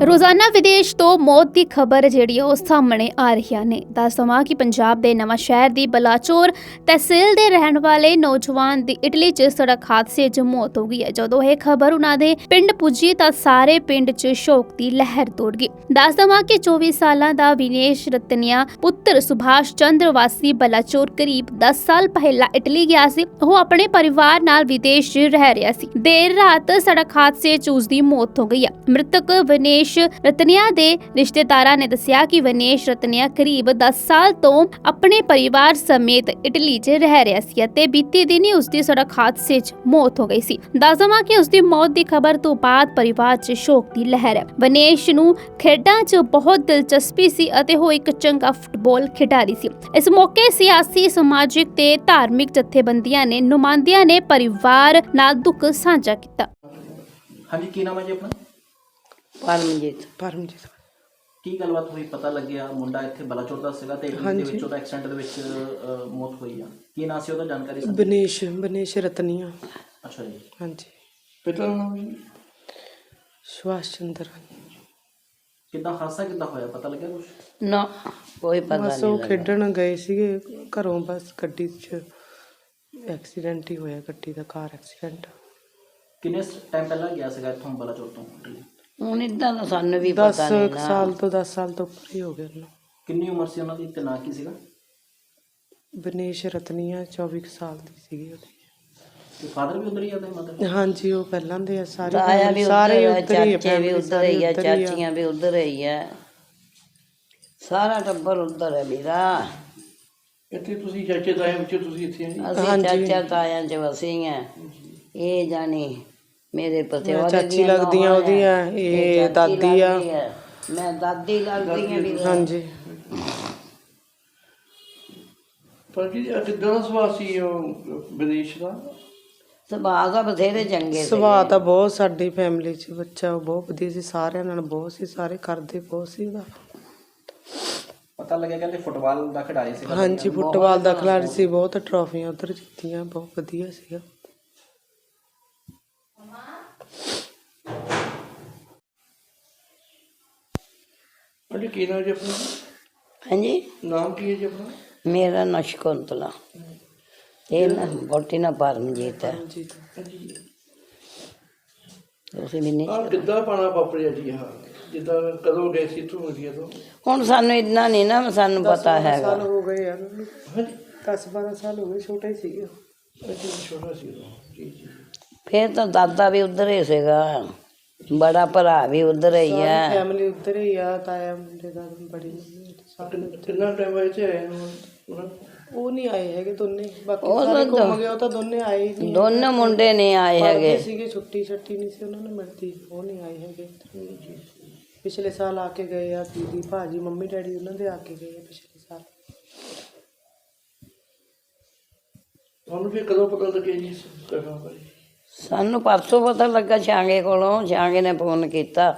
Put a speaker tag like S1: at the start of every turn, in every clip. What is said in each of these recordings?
S1: ਰੋਜ਼ਾਨਾ ਵਿਦੇਸ਼ ਤੋਂ ਮੌਤ ਦੀ ਖਬਰ ਜਿਹੜੀ ਉਹ ਸਾਹਮਣੇ ਆ ਰਹੀਆਂ ਨੇ। ਦੱਸ ਦੇਵਾਂ ਕਿ ਪੰਜਾਬ ਦੇ ਨਵਾਂ ਸ਼ਹਿਰ ਦੀ ਬਲਾਚੌਰ ਤਹਿਸੀਲ ਦੇ ਰਹਿਣ ਵਾਲੇ ਨੌਜਵਾਨ ਦੀ ਇਟਲੀ 'ਚ ਸੜਕ ਹਾਦਸੇ 'ਚ ਮੌਤ ਹੋ ਗਈ ਹੈ। ਜਦੋਂ ਇਹ ਖਬਰ ਉਹਨਾਂ ਦੇ ਪਿੰਡ ਪੁੱਜੀ ਤਾਂ ਸਾਰੇ ਪਿੰਡ 'ਚ ਸ਼ੋਕ ਦੀ ਲਹਿਰ ਦੌੜ ਗਈ। ਦੱਸ ਦੇਵਾਂ ਕਿ 24 ਸਾਲਾਂ ਦਾ ਵਿਨੇਸ਼ ਰਤਨਿਆ ਪੁੱਤਰ ਸੁਭਾਸ਼ ਚੰਦਰ ਵਾਸੀ ਬਲਾਚੌਰ ਕਰੀਬ 10 ਸਾਲ ਪਹਿਲਾਂ ਇਟਲੀ ਗਿਆ ਸੀ। ਉਹ ਆਪਣੇ ਪਰਿਵਾਰ ਨਾਲ ਵਿਦੇਸ਼ 'ਚ ਰਹਿ ਰਿਹਾ ਸੀ। ਦੇਰ ਰਾਤ ਸੜਕ ਹਾਦਸੇ 'ਚ ਉਸ ਦੀ ਮੌਤ ਹੋ ਗਈ ਹੈ। ਮ੍ਰਿਤਕ ਵਿਨੇਸ਼ ਰਤਨਿਆ ਦੇ ਰਿਸ਼ਤੇਦਾਰਾਂ ਨੇ ਦੱਸਿਆ ਕਿ ਵਿਨੇਸ਼ ਰਤਨਿਆ ਕਰੀਬ 10 ਸਾਲ ਤੋਂ ਆਪਣੇ ਪਰਿਵਾਰ ਸਮੇਤ ਇਟਲੀ 'ਚ ਰਹਿ ਰਿਹਾ ਸੀ ਅਤੇ ਬੀਤੀ ਦਿਨੀ ਉਸ ਦੀ ਸੜਕ ਹਾਦਸੇ 'ਚ ਮੌਤ ਹੋ ਗਈ ਸੀ। ਦੱਸ ਦੇਵਾਂ ਕਿ ਉਸ ਦੀ ਮੌਤ ਦੀ ਖਬਰ ਤੋਂ ਬਾਅਦ ਪਰਿਵਾਰ 'ਚ ਸ਼ੋਕ ਦੀ ਲਹਿਰ ਹੈ। ਵਿਨੇਸ਼ ਨੂੰ ਖੇਡਾਂ 'ਚ ਬਹੁਤ ਦਿਲਚਸਪੀ ਸੀ ਅਤੇ ਉਹ ਇੱਕ ਚੰਗਾ ਫੁੱਟਬਾਲ ਖਿਡਾਰੀ ਸੀ। ਇਸ ਮੌਕੇ ਸਿਆਸੀ, ਸਮਾਜਿਕ ਤੇ ਧਾਰਮਿਕ ਜਥੇਬੰਦੀਆਂ ਨੇ ਨੁਮਾਇੰਦਿਆਂ ਨੇ ਪਰਿਵਾਰ ਨਾਲ ਦੁੱਖ ਸਾਂਝਾ ਕੀਤਾ।
S2: ਹਾਂਜੀ, ਕੀ ਨਾਮ ਹੈ ਜੀ ਆਪਣਾ?
S3: ਪਰਮਜੀਤ
S2: ਕੀ ਗੱਲਬਾਤ ਹੋਈ? ਪਤਾ ਲੱਗਿਆ ਮੁੰਡਾ ਇੱਥੇ ਬਲਾਚੌਰ ਦਾ ਸੀਗਾ ਤੇ ਇਟਲੀ ਦੇ ਵਿੱਚ ਉਹਦਾ ਐਕਸੀਡੈਂਟ ਦੇ ਵਿੱਚ ਮੌਤ ਹੋਈ ਆ। ਕੀ ਨਾਂ ਸੀ ਉਹਦਾ, ਜਾਣਕਾਰੀ?
S3: ਬਨੇਸ਼ ਰਤਨੀਆ।
S2: ਅੱਛਾ ਜੀ।
S3: ਹਾਂਜੀ।
S2: ਪਿਤਾ ਦਾ ਨਾਮ?
S3: ਸੁਭਾਸ਼ ਚੰਦਰ।
S2: ਕਿੱਦਾਂ ਹਾਦਸਾ ਕਿੱਦਾਂ ਹੋਇਆ, ਪਤਾ ਲੱਗਿਆ ਕੁਝ?
S4: ਨਾ, ਕੋਈ ਪਤਾ ਨਹੀਂ।
S3: ਬਸ ਉਹ ਖੇਡਣ ਗਏ ਸੀਗੇ ਘਰੋਂ, ਬਸ ਗੱਡੀ 'ਚ ਐਕਸੀਡੈਂਟ ਹੀ ਹੋਇਆ, ਗੱਡੀ ਦਾ, ਕਾਰ ਐਕਸੀਡੈਂਟ।
S2: ਕਿੰਨੇ ਟਾਈਮ ਪਹਿਲਾਂ ਗਿਆ ਸੀਗਾ ਇੱਥੋਂ ਬਲਾਚੌਰ ਤੋਂ ਇਟਲੀ?
S4: ਹੁਣ ਇਦਾਂ ਦਾ ਸਾਨੂੰ ਵੀ ਪਤਾ ਨਹੀਂ ਨਾ।
S3: 10 ਸਾਲ ਤੋਂ ਉੱਪਰ ਹੀ ਹੋ ਗਏ ਉਹਨੂੰ।
S2: ਕਿੰਨੀ ਉਮਰ ਸੀ ਉਹਨਾਂ ਦੀ ਤੇ ਨਾਂ ਕੀ ਸੀਗਾ?
S3: ਬਨੇਸ਼ ਰਤਨੀਆ 24 ਸਾਲ ਦੀ ਸੀਗੀ ਉਹਦੀ।
S2: ਤੇ ਫਾਦਰ ਵੀ ਉਧਰ ਹੀ ਆ ਤੇ ਮਦਰ?
S3: ਹਾਂਜੀ, ਉਹ ਪਹਿਲਾਂ ਦੇ ਆ ਸਾਰੇ
S4: ਤਾਇਆ ਵੀ
S3: ਸਾਰੇ
S4: ਉਧਰ,
S3: ਉੱਧਰ ਹੀ ਆ,
S4: ਚਾਚੇ ਵੀ ਉਧਰ ਹੀ ਆ,
S3: family
S4: ਚਾਚੀਆਂ ਵੀ ਉਧਰ ਹੀ ਆ, ਸਾਰਾ ਟੱਬਰ ਉਧਰ ਹੈ ਮੇਰਾ।
S2: ਇੱਥੇ ਤੁਸੀਂ ਚਾਚੇ ਤਾਏ ਵਿੱਚ ਤੁਸੀਂ ਇੱਥੇ
S4: ਅਸੀਂ ਚਾਚਾ ਤਾਇਆਂ ਚ ਵਸੇ ਆ। ਇਹ ਜਾਣੀ ਮੇਰੇ ਪਤੇ
S3: ਚਾਚੀ ਲੱਗਦੀਆਂ ਉਹਦੀਆਂ, ਇਹ ਦਾਦੀ ਆ,
S4: ਮੈਂ ਦਾਦੀ ਲੱਗਦੀ ਆ ਵੀ।
S3: ਹਾਂਜੀ।
S2: ਪਰ ਜੀ ਕਿੱਦਾਂ ਦਾ ਸੁਭਾਅ ਸੀ ਉਹ ਵਿਦੇਸ਼ ਦਾ?
S4: ਸੁਭਾਅ ਦਾ ਬਥੇਰੇ ਚੰਗੇ ਸੀ।
S3: ਸੁਭਾਅ ਤਾਂ ਬਹੁਤ, ਸਾਡੀ ਫੈਮਿਲੀ 'ਚ ਬੱਚਾ ਬਹੁਤ ਵਧੀਆ ਸੀ, ਸਾਰਿਆਂ ਨਾਲ ਬਹੁਤ ਸੀ, ਸਾਰੇ ਕਰਦੇ ਬਹੁਤ ਸੀ ਉਹਦਾ।
S2: ਪਤਾ ਲੱਗਿਆ ਕਹਿੰਦੇ ਫੁੱਟਬਾਲ ਦਾ ਖਿਡਾਰੀ ਸੀ।
S3: ਹਾਂਜੀ, ਫੁੱਟਬਾਲ ਦਾ ਖਿਡਾਰੀ ਸੀ, ਬਹੁਤ ਟਰਾਫੀਆਂ ਉਧਰ ਜਿੱਤੀਆਂ, ਬਹੁਤ ਵਧੀਆ ਸੀਗਾ।
S2: ਹਾਂਜੀ, ਕੀ ਨਾਮ ਜੀ ਆਪਣਾ?
S4: ਹਾਂਜੀ,
S2: ਨਾਮ ਕੀ ਹੈ ਜੀ ਆਪਣਾ?
S4: ਮੇਰਾ ਨਾਂ ਸ਼ਕੁੰਤਲਾ, ਇਹ ਨਾ ਬੋਟੀ ਨਾ ਪਰਮਜੀਤ ਹੈ। ਤੁਸੀਂ ਵੀ ਨਹੀਂ?
S2: ਕਿੱਦਾਂ ਪਾਣਾ ਵਾਪਰਿਆ ਜੀ? ਹਾਂ, ਜਿੱਦਾਂ ਕਦੋਂ ਗਏ ਸੀ ਇੱਥੋਂ ਇੰਡੀਆ ਤੋਂ?
S4: ਹੁਣ ਸਾਨੂੰ ਇੰਨਾ ਨਹੀਂ ਨਾ ਸਾਨੂੰ ਪਤਾ ਹੈਗਾ।
S3: ਸਾਲ ਹੋ ਗਏ ਯਾਰ, 10-12 ਸਾਲ ਹੋ ਗਏ, ਛੋਟਾ ਹੀ ਸੀਗਾ।
S2: ਛੋਟਾ ਸੀ ਜੀ ਜੀ।
S4: ਫਿਰ ਤਾਂ ਦਾਦਾ ਵੀ ਉਧਰ ਹੀ ਸੀਗਾ, ਬੜਾ ਭਰਾ ਵੀ ਉਧਰ ਹੀ ਆ,
S3: ਫੈਮਿਲੀ ਉੱਧਰ ਹੀ ਆ, ਤਾਇਆ ਮੁੰਡੇ ਦਾ, ਬੜੀ ਮੰਮੀ
S2: ਕਿੰਨਾ ਟਾਈਮ ਹੋਇਆ ਇੱਥੇ ਆਏ ਨੂੰ?
S3: ਉਹ ਨਹੀਂ ਆਏ ਹੈਗੇ ਦੋਨੇ, ਬਾਕੀ ਸਾਰੇ ਘੁੰਮ ਗਏ। ਉਹ ਤਾਂ ਦੋਨੇ ਆਏ ਹੀ ਨਹੀਂ,
S4: ਦੋਨੋਂ ਮੁੰਡੇ ਨਹੀਂ ਆਏ ਹੈਗੇ
S3: ਸੀਗੇ, ਛੁੱਟੀ ਨਹੀਂ ਸੀ ਉਹਨਾਂ ਨੂੰ ਮਿਲਦੀ, ਉਹ ਨਹੀਂ ਆਏ ਹੈਗੇ। ਪਿਛਲੇ ਸਾਲ ਆ ਕੇ ਗਏ ਆ, ਦੀਦੀ ਭਾਜੀ ਮੰਮੀ ਡੈਡੀ ਉਹਨਾਂ ਦੇ ਆ ਕੇ ਗਏ ਆ ਪਿਛਲੇ ਸਾਲ।
S2: ਤੁਹਾਨੂੰ ਫਿਰ ਕਦੋਂ ਪਤਾ ਲੱਗਿਆ ਜੀ?
S4: ਸਾਨੂੰ ਪਰਸੋਂ ਪਤਾ ਲੱਗਾ ਛਾਂਗੇ ਕੋਲੋਂ, ਛਾਂਗੇ ਨੇ ਫੋਨ ਕੀਤਾ।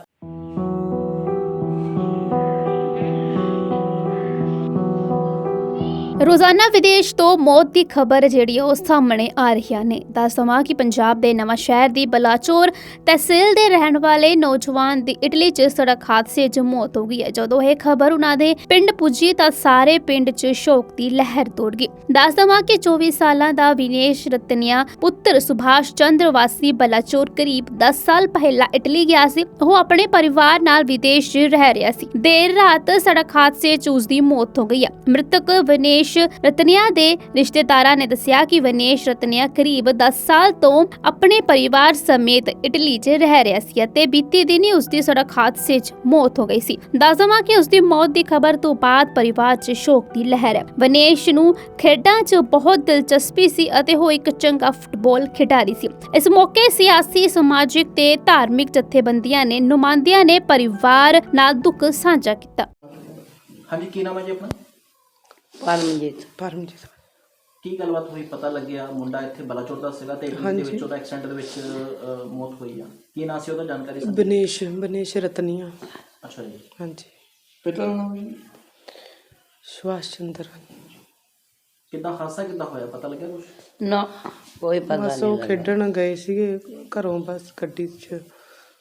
S1: ਰੋਜ਼ਾਨਾ ਵਿਦੇਸ਼ ਤੋਂ ਮੌਤ ਦੀ ਖਬਰ ਜਿਹੜੀ ਉਹ ਸਾਹਮਣੇ ਆ ਰਹੀਆਂ ਨੇ। ਦੱਸ ਦੇਵਾਂ ਕਿ ਪੰਜਾਬ ਦੇ ਨਵਾਂ ਸ਼ਹਿਰ ਦੀ ਬਲਾਚੌਰ ਤਹਿਸੀਲ ਦੇ ਰਹਿਣ ਵਾਲੇ ਨੌਜਵਾਨ ਦੀ ਇਟਲੀ 'ਚ ਸੜਕ ਹਾਦਸੇ 'ਚ ਮੌਤ ਹੋ ਗਈ ਹੈ। ਜਦੋਂ ਇਹ ਖਬਰ ਉਹਨਾਂ ਦੇ ਪਿੰਡ ਪੁੱਜੀ ਤਾਂ ਸਾਰੇ ਪਿੰਡ 'ਚ ਸ਼ੋਕ ਦੀ ਲਹਿਰ ਦੌੜ ਗਈ। ਦੱਸ ਦੇਵਾਂ ਕਿ 24 ਸਾਲਾਂ ਦਾ ਵਿਨੇਸ਼ ਰਤਨਿਆ ਪੁੱਤਰ ਸੁਭਾਸ਼ ਚੰਦਰ ਵਾਸੀ ਬਲਾਚੌਰ ਕਰੀਬ 10 ਸਾਲ ਪਹਿਲਾਂ ਇਟਲੀ ਗਿਆ ਸੀ। ਉਹ ਆਪਣੇ ਪਰਿਵਾਰ ਨਾਲ ਵਿਦੇਸ਼ 'ਚ ਰਹਿ ਰਿਹਾ ਸੀ। ਦੇਰ ਰਾਤ ਸੜਕ ਹਾਦਸੇ 'ਚ ਉਸ ਦੀ ਮੌਤ ਹੋ ਗਈ ਹੈ। ਮ੍ਰਿਤਕ ਵਿਨੇਸ਼ ਰਤਨਿਆ ਦੇ ਰਿਸ਼ਤੇਦਾਰਾਂ ਨੇ ਦੱਸਿਆ ਕਿ ਵਿਨੇਸ਼ ਰਤਨਿਆ ਕਰੀਬ 10 ਸਾਲ ਤੋਂ ਆਪਣੇ ਪਰਿਵਾਰ ਸਮੇਤ ਇਟਲੀ 'ਚ ਰਹਿ ਰਿਹਾ ਸੀ ਅਤੇ ਬੀਤੀ ਦਿਨੀ ਉਸ ਦੀ ਸੜਕ ਹਾਦਸੇ 'ਚ ਮੌਤ ਹੋ ਗਈ ਸੀ। ਦੱਸ ਦੇਵਾਂ ਕਿ ਉਸ ਦੀ ਮੌਤ ਦੀ ਖਬਰ ਤੋਂ ਬਾਅਦ ਪਰਿਵਾਰ 'ਚ ਸ਼ੋਕ ਦੀ ਲਹਿਰ ਹੈ। ਵਿਨੇਸ਼ ਨੂੰ ਖੇਡਾਂ 'ਚ ਬਹੁਤ ਦਿਲਚਸਪੀ ਸੀ ਅਤੇ ਉਹ ਇੱਕ ਚੰਗਾ ਫੁੱਟਬਾਲ ਖਿਡਾਰੀ ਸੀ। ਇਸ ਮੌਕੇ ਸਿਆਸੀ, ਸਮਾਜਿਕ ਤੇ ਧਾਰਮਿਕ ਜਥੇਬੰਦੀਆਂ ਨੇ ਨੁਮਾਇੰਦਿਆਂ ਨੇ ਪਰਿਵਾਰ ਨਾਲ ਦੁੱਖ ਸਾਂਝਾ ਕੀਤਾ।
S2: ਹਾਂਜੀ, ਕੀ ਨਾਮ ਹੈ ਜੀ ਆਪਣਾ?
S3: ਪਰਮਜੀਤ।
S2: ਕੀ ਗੱਲਬਾਤ ਹੋਈ? ਪਤਾ ਲੱਗਿਆ ਮੁੰਡਾ ਇੱਥੇ ਬਲਾਚੌਰ ਦਾ ਸੀਗਾ ਤੇ ਇਟਲੀ ਦੇ ਵਿੱਚ ਉਹਦਾ ਐਕਸੀਡੈਂਟ ਦੇ ਵਿੱਚ ਮੌਤ ਹੋਈ ਆ। ਕੀ ਨਾਂ ਸੀ ਉਹਦਾ, ਜਾਣਕਾਰੀ?
S3: ਬਨੇਸ਼ ਰਤਨੀਆ।
S2: ਅੱਛਾ ਜੀ।
S3: ਹਾਂਜੀ।
S2: ਪਿਤਾ ਦਾ ਨਾਮ?
S3: ਸੁਭਾਸ਼ ਚੰਦਰ।
S2: ਕਿੱਦਾਂ ਹਾਦਸਾ ਕਿੱਦਾਂ ਹੋਇਆ, ਪਤਾ ਲੱਗਿਆ ਕੁਝ?
S4: ਨਾ, ਕੋਈ ਪਤਾ ਨਹੀਂ।
S3: ਬਸ ਉਹ ਖੇਡਣ ਗਏ ਸੀਗੇ ਘਰੋਂ, ਬਸ ਗੱਡੀ 'ਚ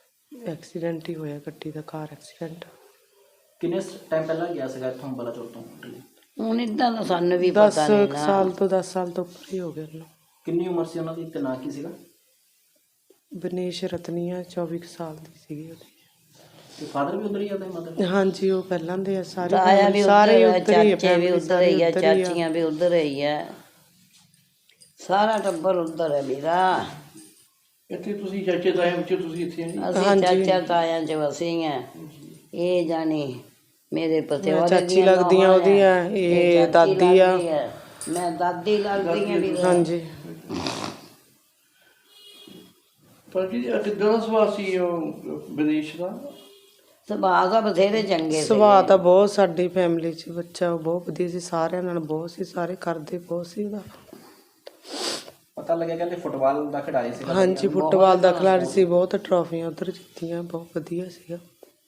S3: ਐਕਸੀਡੈਂਟ ਹੀ ਹੋਇਆ ਗੱਡੀ ਦਾ, ਕਾਰ ਐਕਸੀਡੈਂਟ।
S2: ਕਿੰਨੇ ਟਾਈਮ ਪਹਿਲਾਂ ਗਿਆ ਸੀਗਾ ਇੱਥੋਂ ਬਲਾਚੌਰ ਤੋਂ ਇਟਲੀ?
S4: ਹੁਣ ਇਦਾਂ ਦਾ ਸਾਨੂੰ ਵੀ
S3: 10
S4: ਪਤਾ ਨਹੀਂ ਨਾ।
S3: ਸਾਲ ਤੋਂ 10 ਸਾਲ ਤੋਂ ਉੱਪਰ ਹੀ ਹੋ ਗਏ ਉਹਨੂੰ।
S2: ਕਿੰਨੀ ਉਮਰ ਸੀ ਉਹਨਾਂ ਦੀ ਤੇ ਨਾਂ ਕੀ ਸੀਗਾ?
S3: ਬਨੇਸ਼ ਰਤਨੀਆ 24 ਕੁ ਸਾਲ ਦੀ ਸੀਗੀ ਉਹਦੀ।
S2: ਤੇ ਫਾਦਰ ਵੀ ਉਧਰ ਹੀ ਆ ਤੇ ਮਦਰ?
S3: ਹਾਂਜੀ, ਉਹ ਪਹਿਲਾਂ ਦੇ ਆ ਸਾਰੇ,
S4: ਤਾਇਆ ਵੀ
S3: ਸਾਰੇ
S4: ਉੱਧਰ
S3: ਉੱਧਰ ਹੀ ਆ,
S4: ਚਾਚੇ ਵੀ
S3: family
S4: ਉੱਧਰ ਹੀ ਆ,
S3: ਉੱਧਰ ਹੀ ਆ।
S4: ਚਾਚੀਆਂ ਵੀ ਉੱਧਰ ਹੀ ਆ, ਸਾਰਾ ਟੱਬਰ ਉੱਧਰ ਹੈ ਮੇਰਾ।
S5: ਇੱਥੇ ਤੁਸੀਂ ਚਾਚੇ ਤਾਏ ਵਿੱਚ ਤੁਸੀਂ ਇੱਥੇ ਆਏ?
S4: ਅਸੀਂ ਚਾਚਾ ਤਾਇਆਂ ਚ ਵਸੀ ਆ। ਇਹ ਜਾਣੀ ਮੇਰੇ ਪਤੀ
S3: ਮੈਂ
S4: ਉਹਦੇ
S3: ਚਾਚੀ ਲੱਗਦੀਆਂ ਉਹਦੀਆਂ, ਇਹ ਦਾਦੀ ਆ।
S4: ਮੈਂ ਦਾਦੀ ਲੱਗਦੀ ਆ ਵੀ।
S3: ਹਾਂਜੀ,
S5: ਪਰ ਜੀ ਕਿੱਦਾਂ ਦਾ ਸੁਭਾਅ ਸੀ ਉਹ ਵਿਦੇਸ਼ ਦਾ?
S4: ਸੁਭਾਅ ਦਾ ਬਥੇਰੇ ਚੰਗੇ ਸੀ।
S3: ਸੁਭਾਅ ਤਾਂ ਬਹੁਤ, ਸਾਡੀ ਫੈਮਿਲੀ 'ਚ ਬੱਚਾ ਬਹੁਤ ਵਧੀਆ ਸੀ, ਸਾਰਿਆਂ ਨਾਲ ਬਹੁਤ ਸੀ, ਸਾਰੇ ਕਰਦੇ ਬਹੁਤ ਸੀ ਉਹਦਾ।
S2: ਪਤਾ ਲੱਗਿਆ ਕਹਿੰਦੇ ਫੁੱਟਬਾਲ ਦਾ ਖਿਡਾਰੀ ਸੀਗਾ।
S3: ਹਾਂਜੀ, ਫੁੱਟਬਾਲ ਦਾ ਖਿਡਾਰੀ ਸੀ, ਬਹੁਤ ਟਰਾਫੀਆਂ ਉਧਰ ਜਿੱਤੀਆਂ, ਬਹੁਤ ਵਧੀਆ ਸੀਗਾ।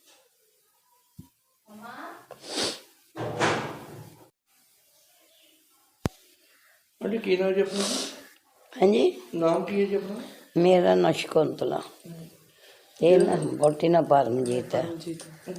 S5: ਹਾਂਜੀ, ਕੀ ਨਾਮ ਜੀ ਆਪਣਾ?
S4: ਹਾਂਜੀ,
S5: ਨਾਮ ਕੀ ਹੈ ਜੀ ਆਪਣਾ?
S4: ਮੇਰਾ ਨਾਂ ਸ਼ਕੁੰਤਲਾ, ਇਹ ਨਾ ਬੋਟੀ ਨਾ ਪਰਮਜੀਤ ਹੈ।
S3: ਜੀ,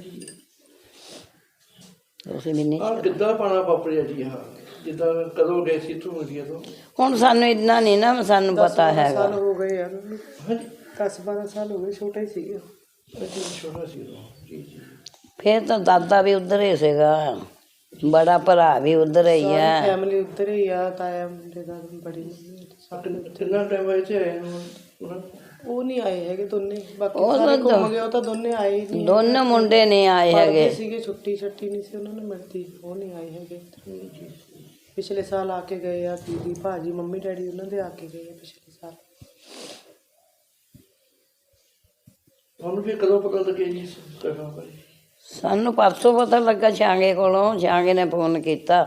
S4: ਤੁਸੀਂ ਵੀ ਨਹੀਂ।
S5: ਆਹ ਕਿੱਦਾਂ ਪਾਣਾ ਵਾਪਰਿਆ ਜੀ? ਹਾਂ, ਜਿੱਦਾਂ ਕਦੋਂ ਗਏ ਸੀ ਇੱਥੋਂ ਇੰਡੀਆ ਤੋਂ?
S4: ਹੁਣ ਸਾਨੂੰ ਇੰਨਾ ਨਹੀਂ ਨਾ ਸਾਨੂੰ ਪਤਾ ਹੈਗਾ।
S3: ਸਾਲ ਹੋ ਗਏ ਯਾਰ ਉਹਨੂੰ,
S5: ਹਾਂਜੀ,
S3: 10-12 ਸਾਲ ਹੋ ਗਏ, ਛੋਟਾ ਹੀ ਸੀਗਾ।
S5: ਅੱਛਾ, ਛੋਟਾ ਸੀ ਉਦੋਂ। ਜੀ ਜੀ।
S4: ਫਿਰ ਤਾਂ ਦਾਦਾ ਵੀ ਉੱਧਰ ਹੀ ਸੀਗਾ, ਬੜਾ ਭਰਾ ਵੀ ਉੱਧਰ ਹੀ ਹੈ।
S3: ਫੈਮਿਲੀ ਉੱਧਰ ਹੀ ਆ, ਤਾਇਆ ਮੁੰਡੇ ਦਾ, ਬੜੀ ਮੰਮੀ ਸਾਰੇ ਉੱਧਰ।
S5: ਕਿੰਨਾ ਟਾਈਮ ਹੋਇਆ ਇੱਥੇ ਆਏ ਨੂੰ ਉਹਨਾਂ?
S3: ਉਹ ਨਹੀਂ ਆਏ ਹੈਗੇ ਦੋਨੇ, ਬਾਕੀ
S4: ਉਹ
S3: ਸਾਰੇ
S4: ਤਾਂ
S3: ਘੁੰਮ ਗਏ, ਉਹ ਤਾਂ ਦੋਨੇ ਆਏ ਹੀ ਨਹੀਂ।
S4: ਦੋਨੋਂ ਮੁੰਡੇ ਨਹੀਂ ਆਏ
S3: ਪੜ੍ਹਦੇ
S4: ਹੈਗੇ।
S3: ਸੀਗੇ, ਛੁੱਟੀ ਨਹੀਂ ਸੀ ਉਹਨਾਂ ਨੂੰ ਮਿਲਦੀ, ਉਹ ਨਹੀਂ ਆਏ ਹੈਗੇ। ਪਿਛਲੇ ਸਾਲ ਆ ਕੇ ਗਏ ਆ, ਦੀਦੀ ਭਾਜੀ ਮੰਮੀ ਡੈਡੀ ਉਹਨਾਂ ਦੇ ਆ ਕੇ ਗਏ ਆ ਪਿਛਲੇ ਸਾਲ।
S5: ਤੁਹਾਨੂੰ ਫਿਰ ਕਦੋਂ ਪਤਾ ਲੱਗਿਆ ਜੀ ਇਸ ਘਟਨਾ ਬਾਰੇ?
S4: ਸਾਨੂੰ ਪਰਸੋਂ ਪਤਾ ਲੱਗਾ ਛਾਂਗੇ ਕੋਲੋਂ, ਛਾਂਗੇ ਨੇ ਫੋਨ ਕੀਤਾ।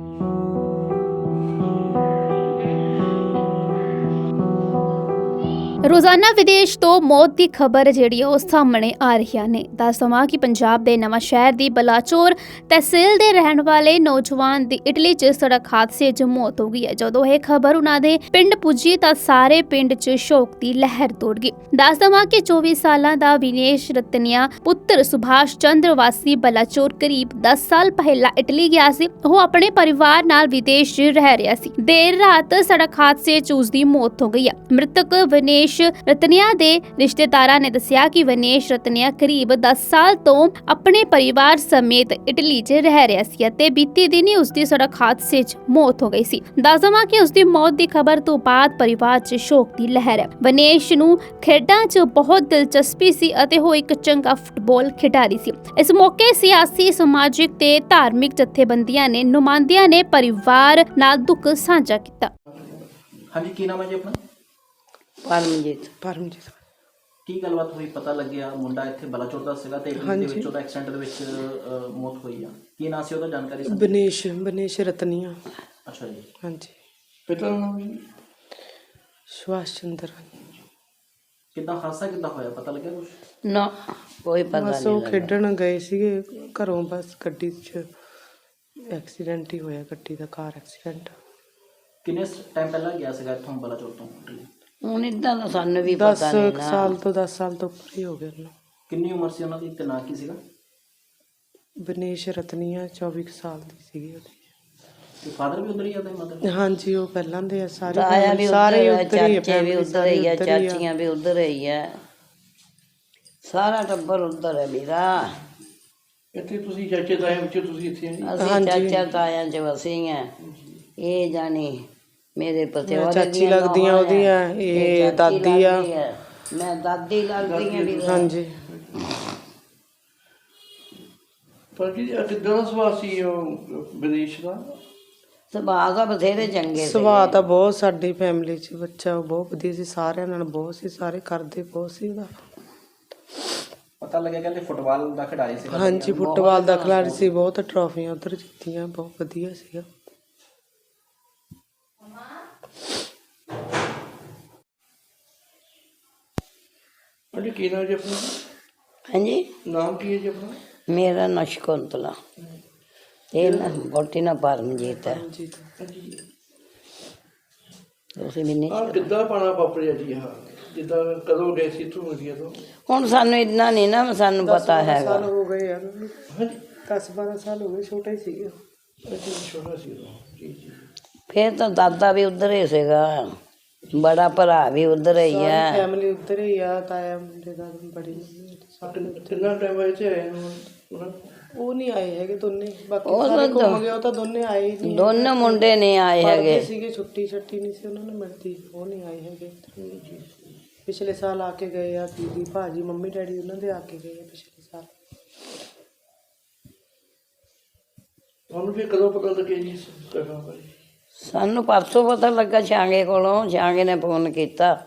S1: ਰੋਜ਼ਾਨਾ ਵਿਦੇਸ਼ ਤੋਂ ਮੌਤ ਦੀ ਖਬਰ ਜਿਹੜੀ ਉਹ ਸਾਹਮਣੇ ਆ ਰਹੀਆਂ ਨੇ। ਦੱਸ ਦੇਵਾਂ ਕਿ ਪੰਜਾਬ ਦੇ ਨਵਾਂ ਸ਼ਹਿਰ ਦੀ ਬਲਾਚੌਰ ਤਹਿਸੀਲ ਦੇ ਰਹਿਣ ਵਾਲੇ ਨੌਜਵਾਨ ਦੀ ਇਟਲੀ 'ਚ ਸੜਕ ਹਾਦਸੇ 'ਚ ਮੌਤ ਹੋ ਗਈ ਹੈ। ਜਦੋਂ ਇਹ ਖਬਰ ਉਹਨਾਂ ਦੇ ਪਿੰਡ ਪੁੱਜੀ ਤਾਂ ਸਾਰੇ ਪਿੰਡ 'ਚ ਸ਼ੋਕ ਦੀ ਲਹਿਰ ਦੌੜ ਗਈ। ਦੱਸ ਦੇਵਾਂ ਕਿ 24 ਸਾਲਾਂ ਦਾ ਵਿਨੇਸ਼ ਰਤਨੀਆ ਪੁੱਤਰ ਸੁਭਾਸ਼ ਚੰਦਰ ਵਾਸੀ ਬਲਾਚੌਰ ਕਰੀਬ 10 ਸਾਲ ਪਹਿਲਾਂ ਇਟਲੀ ਗਿਆ ਸੀ। ਉਹ ਆਪਣੇ ਪਰਿਵਾਰ ਨਾਲ ਵਿਦੇਸ਼ 'ਚ ਰਹਿ ਰਿਹਾ ਸੀ। ਦੇਰ ਰਾਤ ਸੜਕ ਹਾਦਸੇ 'ਚ ਉਸ ਦੀ ਮੌਤ ਹੋ ਗਈ ਹੈ। ਮ੍ਰਿਤਕ ਵਿਨੇਸ਼ ਰਤਨੀਆ ਦੇ ਰਿਸ਼ਤੇਦਾਰਾਂ ਨੇ ਦੱਸਿਆ ਕਿ ਵਿਨੇਸ਼ ਰਤਨੀਆ ਕਰੀਬ 10 ਸਾਲ ਤੋਂ ਆਪਣੇ ਪਰਿਵਾਰ ਸਮੇਤ ਇਟਲੀ 'ਚ ਰਹਿ ਰਿਹਾ ਸੀ ਅਤੇ ਬੀਤੀ ਦਿਨੀ ਉਸ ਦੀ ਸੜਕ ਹਾਦਸੇ 'ਚ ਮੌਤ ਹੋ ਗਈ ਸੀ। ਦੱਸ ਦੇਵਾਂ ਕਿ ਉਸ ਦੀ ਮੌਤ ਦੀ ਖਬਰ ਤੋਂ ਬਾਅਦ ਪਰਿਵਾਰ 'ਚ ਸ਼ੋਕ ਦੀ ਲਹਿਰ ਹੈ। ਵਿਨੇਸ਼ ਨੂੰ ਖੇਡਾਂ 'ਚ ਬਹੁਤ ਦਿਲਚਸਪੀ ਸੀ ਅਤੇ ਉਹ ਇੱਕ ਚੰਗਾ ਫੁੱਟਬਾਲ ਖਿਡਾਰੀ ਸੀ। ਇਸ ਮੌਕੇ ਸਿਆਸੀ, ਸਮਾਜਿਕ ਤੇ ਧਾਰਮਿਕ ਜਥੇਬੰਦੀਆਂ ਨੇ ਨੁਮਾਇੰਦਿਆਂ ਨੇ ਪਰਿਵਾਰ ਨਾਲ ਦੁੱਖ ਸਾਂਝਾ ਕੀਤਾ।
S2: ਹਾਂਜੀ, ਕੀ ਨਾਮ ਹੈ ਜੀ ਆਪਣਾ?
S4: ਪਰਮਜੀਤ।
S2: ਕੀ ਗੱਲਬਾਤ ਹੋਈ? ਪਤਾ ਲੱਗਿਆ ਮੁੰਡਾ ਇੱਥੇ ਬਲਾਚੌਰ ਦਾ ਸੀਗਾ ਤੇ ਇਟਲੀ ਦੇ ਵਿੱਚ ਉਹਦਾ ਐਕਸੀਡੈਂਟ ਦੇ ਵਿੱਚ ਮੌਤ ਹੋਈ ਆ। ਕੀ ਨਾਂ ਸੀ ਉਹਦਾ, ਜਾਣਕਾਰੀ ਸੀ?
S3: ਬਨੇਸ਼ ਰਤਨੀਆ।
S2: ਅੱਛਾ ਜੀ।
S3: ਹਾਂਜੀ,
S5: ਪਿਤਾ ਦਾ ਨਾਮ ਜੀ?
S3: ਸੁਭਾਸ਼ ਚੰਦਰ।
S2: ਕਿੱਦਾਂ ਹਾਦਸਾ ਕਿੱਦਾਂ ਹੋਇਆ, ਪਤਾ ਲੱਗਿਆ ਕੁਝ?
S4: ਨਾ, ਕੋਈ ਪਤਾ
S3: ਬਸ
S4: ਨਹੀਂ
S3: ਉਹ
S4: ਲੱਗਾ।
S3: ਖੇਡਣ ਗਏ ਸੀਗੇ ਘਰੋਂ, ਬਸ ਗੱਡੀ 'ਚ ਐਕਸੀਡੈਂਟ ਹੀ ਹੋਇਆ, ਗੱਡੀ ਦਾ, ਕਾਰ ਐਕਸੀਡੈਂਟ।
S2: ਕਿੰਨੇ ਟਾਈਮ ਪਹਿਲਾਂ ਗਿਆ ਸੀਗਾ ਇੱਥੋਂ ਬਲਾਚੌਰ ਤੋਂ ਇਟਲੀ?
S4: ਹੁਣ ਇਦਾਂ ਦਾ ਸਾਨੂੰ ਵੀ ਪਤਾ ਨਹੀਂ
S3: 10
S4: ਨਾ।
S3: ਸਾਲ ਤੋਂ 10 ਸਾਲ ਤੋਂ ਉੱਪਰ ਹੀ ਹੋ ਗਏ ਉਹਨੂੰ।
S2: ਕਿੰਨੀ ਉਮਰ ਸੀ ਉਹਨਾਂ ਦੀ ਤੇ ਨਾਂ ਕੀ ਸੀਗਾ?
S3: ਬਨੇਸ਼ ਰਤਨੀਆ 24 ਕੁ ਸਾਲ ਦੀ ਸੀਗੀ ਉਹਦੀ।
S2: ਤੇ ਫਾਦਰ ਵੀ ਉਧਰ ਹੀ ਆ ਤੇ ਮਦਰ?
S3: ਹਾਂਜੀ, ਉਹ ਪਹਿਲਾਂ ਦੇ ਆ ਸਾਰੇ,
S4: ਤਾਇਆ ਵੀ
S3: ਸਾਰੇ
S4: ਉੱਧਰ
S3: ਉੱਧਰ ਹੀ ਆ,
S4: ਚਾਚੇ ਵੀ
S3: family
S4: ਉੱਧਰ ਹੀ ਆ,
S3: ਉੱਧਰ ਹੀ ਆ।
S4: ਚਾਚੀਆਂ ਵੀ ਉੱਧਰ ਹੀ ਆ, ਸਾਰਾ ਟੱਬਰ ਉੱਧਰ ਹੈ ਮੇਰਾ।
S5: ਇੱਥੇ ਤੁਸੀਂ ਚਾਚੇ ਤਾਏ ਵਿੱਚ ਤੁਸੀਂ ਇੱਥੇ ਆਏ?
S4: ਅਸੀਂ ਚਾਚਾ ਤਾਇਆਂ ਚ ਵਸੀ ਆ। ਇਹ ਜਾਣੀ ਮੇਰੇ ਪਤੀ
S3: ਮੈਂ ਚਾਚੀ ਲੱਗਦੀਆਂ ਉਹਦੀਆਂ, ਇਹ ਦਾਦੀ ਆ।
S4: ਮੈਂ ਦਾਦੀ ਲੱਗਦੀ ਆ ਵੀ।
S3: ਹਾਂਜੀ,
S5: ਪਰ ਜੀ ਕਿੱਦਾਂ ਦਾ ਸੁਭਾਅ ਸੀ ਉਹ ਵਿਦੇਸ਼ ਦਾ?
S4: ਸੁਭਾਅ ਦਾ ਬਥੇਰੇ ਚੰਗੇ ਸੀ।
S3: ਸੁਭਾਅ ਤਾਂ ਬਹੁਤ, ਸਾਡੀ ਫੈਮਿਲੀ 'ਚ ਬੱਚਾ ਬਹੁਤ ਵਧੀਆ ਸੀ, ਸਾਰਿਆਂ ਨਾਲ ਬਹੁਤ ਸੀ, ਸਾਰੇ ਕਰਦੇ ਬਹੁਤ ਸੀ ਉਹਦਾ।
S2: ਪਤਾ ਲੱਗਿਆ ਕਹਿੰਦੇ ਫੁੱਟਬਾਲ ਦਾ ਖਿਡਾਰੀ ਸੀਗਾ।
S3: ਹਾਂਜੀ, ਫੁੱਟਬਾਲ ਦਾ ਖਿਡਾਰੀ ਸੀ, ਬਹੁਤ ਟਰਾਫੀਆਂ ਉਧਰ ਜਿੱਤੀਆਂ, ਬਹੁਤ ਵਧੀਆ ਸੀਗਾ।
S5: ਹਾਂਜੀ, ਕੀ ਨਾਮ ਜੀ ਆਪਣਾ?
S4: ਹਾਂਜੀ,
S5: ਨਾਮ ਕੀ ਹੈ ਜੀ ਆਪਣਾ?
S4: ਮੇਰਾ ਨਾਂ ਸ਼ਕੁੰਤਲਾ, ਇਹ ਨਾ ਬੋਟੀ ਨਾ ਪਰਮਜੀਤ ਹੈ।
S3: ਜੀ,
S5: ਹਾਂਜੀ।
S4: ਤੁਸੀਂ ਵੀ ਨਹੀਂ।
S5: ਆਹ ਕਿੱਦਾਂ ਪਾਣਾ ਵਾਪਰਿਆ ਜੀ? ਹਾਂ, ਜਿੱਦਾਂ ਕਦੋਂ ਗਏ ਸੀ ਇੱਥੋਂ ਇੰਡੀਆ ਤੋਂ?
S4: ਹੁਣ ਸਾਨੂੰ ਇੰਨਾ ਨਹੀਂ ਨਾ ਸਾਨੂੰ ਪਤਾ ਹੈਗਾ।
S3: ਸਾਲ ਹੋ ਗਏ ਆ ਉਹਨੂੰ,
S5: ਹਾਂਜੀ
S3: 10-12 ਸਾਲ ਹੋ ਗਏ, ਛੋਟਾ ਹੀ ਸੀਗਾ।
S5: ਅੱਛਾ ਛੋਟਾ ਸੀ ਉਦੋਂ। ਜੀ ਜੀ
S4: ਫਿਰ ਤਾਂ ਦਾਦਾ ਵੀ ਉਧਰ ਹੀ ਸੀਗਾ, ਬੜਾ ਭਰਾ ਵੀ ਉਧਰ ਹੀ ਆ।
S3: ਫੈਮਿਲੀ ਉੱਧਰ ਹੀ ਆ, ਤਾਇਆ ਮੁੰਡੇ ਦਾ ਬੜੀ ਮੰਮੀ ਸਾਰੇ
S5: ਕਿੰਨਾ ਟਾਈਮ ਹੋਇਆ ਇੱਥੇ ਆਏ ਨੂੰ ਉਹਨਾਂ?
S3: ਉਹ ਨਹੀਂ ਆਏ ਹੈਗੇ ਦੋਨੇ, ਬਾਕੀ
S4: ਉਹ
S3: ਸਾਰੇ
S4: ਤਾਂ
S3: ਘੁੰਮ ਗਏ, ਉਹ ਤਾਂ ਦੋਨੇ ਆਏ ਹੀ ਨਹੀਂ।
S4: ਦੋਨੋਂ ਮੁੰਡੇ ਨਹੀਂ ਆਏ
S3: ਪੜ੍ਹਦੇ
S4: ਹੈਗੇ।
S3: ਸੀਗੇ, ਛੁੱਟੀ ਨਹੀਂ ਸੀ ਉਹਨਾਂ ਨੂੰ ਮਿਲਦੀ, ਉਹ ਨਹੀਂ ਆਏ ਹੈਗੇ। ਪਿਛਲੇ ਸਾਲ ਆ ਕੇ ਗਏ ਆ, ਦੀਦੀ ਭਾਜੀ ਮੰਮੀ ਡੈਡੀ ਉਹਨਾਂ ਦੇ ਆ ਕੇ ਗਏ ਆ ਪਿਛਲੇ ਸਾਲ।
S5: ਤੁਹਾਨੂੰ ਫਿਰ ਕਦੋਂ ਪਤਾ ਲੱਗਿਆ ਜੀ ਇਸ ਘਟਨਾ ਬਾਰੇ?
S4: ਸਾਨੂੰ ਪਰਸੋਂ ਪਤਾ ਲੱਗਾ ਛਾਂਗੇ ਕੋਲੋਂ, ਛਾਂਗੇ ਨੇ ਫੋਨ ਕੀਤਾ।